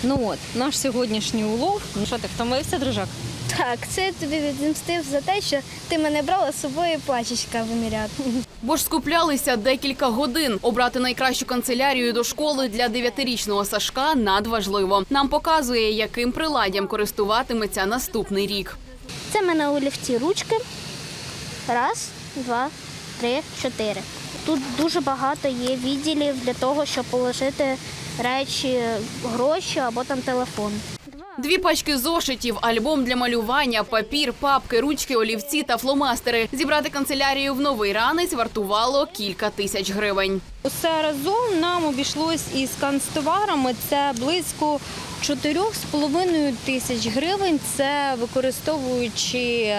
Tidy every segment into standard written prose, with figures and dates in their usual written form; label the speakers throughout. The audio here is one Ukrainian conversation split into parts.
Speaker 1: Ну от, наш сьогоднішній улов. Ну що, ти втомився, дружок?
Speaker 2: Так, це я тобі відмстив за те, що ти мене брала з собою пачечка виміряти.
Speaker 3: Бо ж скуплялися декілька годин. Обрати найкращу канцелярію до школи для 9-річного Сашка надважливо. Нам показує, яким приладдям користуватиметься наступний рік.
Speaker 2: Це в мене олівці ручки. Раз, два, три, чотири. Тут дуже багато є відділів для того, щоб положити речі, гроші або там телефон.
Speaker 3: 2 пачки зошитів, альбом для малювання, папір, папки, ручки, олівці та фломастери. Зібрати канцелярію в Новий Ранець вартувало кілька тисяч гривень.
Speaker 1: Усе разом нам обійшлось із канцтоварами. Це близько 4,5 тисяч гривень. Це використовуючи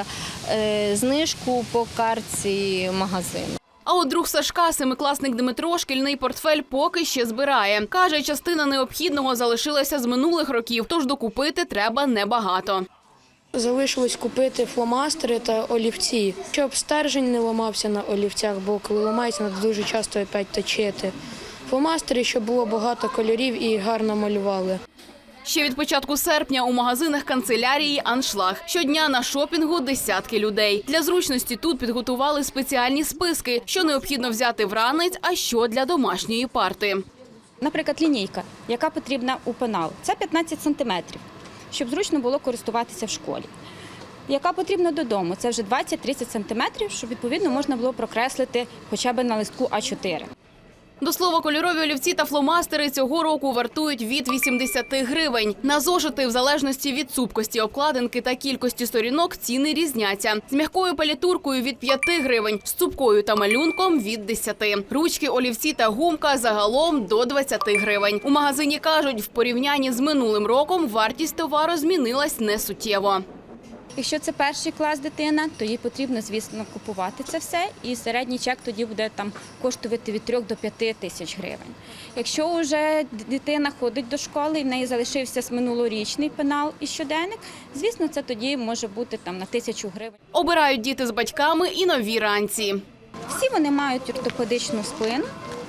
Speaker 1: знижку по картці магазину.
Speaker 3: А от друг Сашка, 7-класник Дмитро, шкільний портфель поки ще збирає. Каже, частина необхідного залишилася з минулих років, тож докупити треба небагато.
Speaker 4: Залишилось купити фломастери та олівці, щоб стержень не ламався на олівцях, бо коли ламається, треба дуже часто опять точити. Фломастери, щоб було багато кольорів і гарно малювали.
Speaker 3: Ще від початку серпня у магазинах канцелярії «Аншлаг». Щодня на шопінгу десятки людей. Для зручності тут підготували спеціальні списки, що необхідно взяти в ранець, а що для домашньої парти.
Speaker 5: Наприклад, лінійка, яка потрібна у пенал. Це 15 сантиметрів, щоб зручно було користуватися в школі. Яка потрібна додому, це вже 20-30 сантиметрів, щоб відповідно можна було прокреслити хоча б на листку А4.
Speaker 3: До слова, кольорові олівці та фломастери цього року вартують від 80 гривень. На зошити, в залежності від цупкості обкладинки та кількості сторінок, ціни різняться. З м'якою палітуркою – від 5 гривень, з цупкою та малюнком – від 10. Ручки, олівці та гумка – загалом до 20 гривень. У магазині кажуть, в порівнянні з минулим роком вартість товару змінилась несуттєво.
Speaker 5: Якщо це перший клас дитина, то їй потрібно, звісно, купувати це все, і середній чек тоді буде там коштувати від 3 до 5 тисяч гривень. Якщо вже дитина ходить до школи і в неї залишився минулорічний пенал і щоденник, звісно, це тоді може бути там на 1000 гривень.
Speaker 3: Обирають діти з батьками і нові ранці.
Speaker 5: Всі вони мають ортопедичну спину,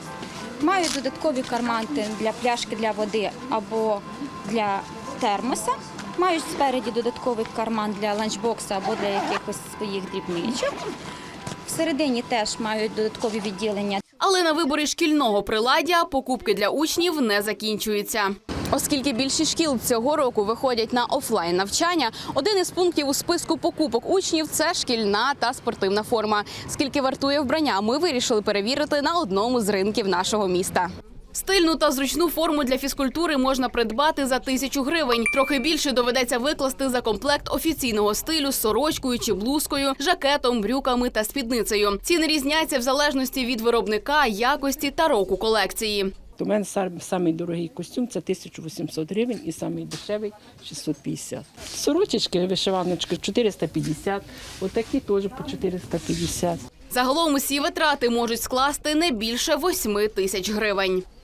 Speaker 5: мають додаткові кармани для пляшки для води або для термоса. Мають спереді додатковий карман для ланчбокса або для якихось своїх дрібничок. Всередині теж мають додаткові відділення.
Speaker 3: Але на виборі шкільного приладдя покупки для учнів не закінчуються. Оскільки більшість шкіл цього року виходять на офлайн навчання, один із пунктів у списку покупок учнів – це шкільна та спортивна форма. Скільки вартує вбрання, ми вирішили перевірити на одному з ринків нашого міста. Стильну та зручну форму для фізкультури можна придбати за 1000 гривень. Трохи більше доведеться викласти за комплект офіційного стилю з сорочкою чи блузкою, жакетом, брюками та спідницею. Ціни різняться в залежності від виробника, якості та року колекції.
Speaker 6: У мене самий дорогий костюм – це 1800 гривень і самий дешевий – 650. Сорочечки, вишиваночки – 450, отакі теж по 450.
Speaker 3: Загалом усі витрати можуть скласти не більше 8 тисяч гривень.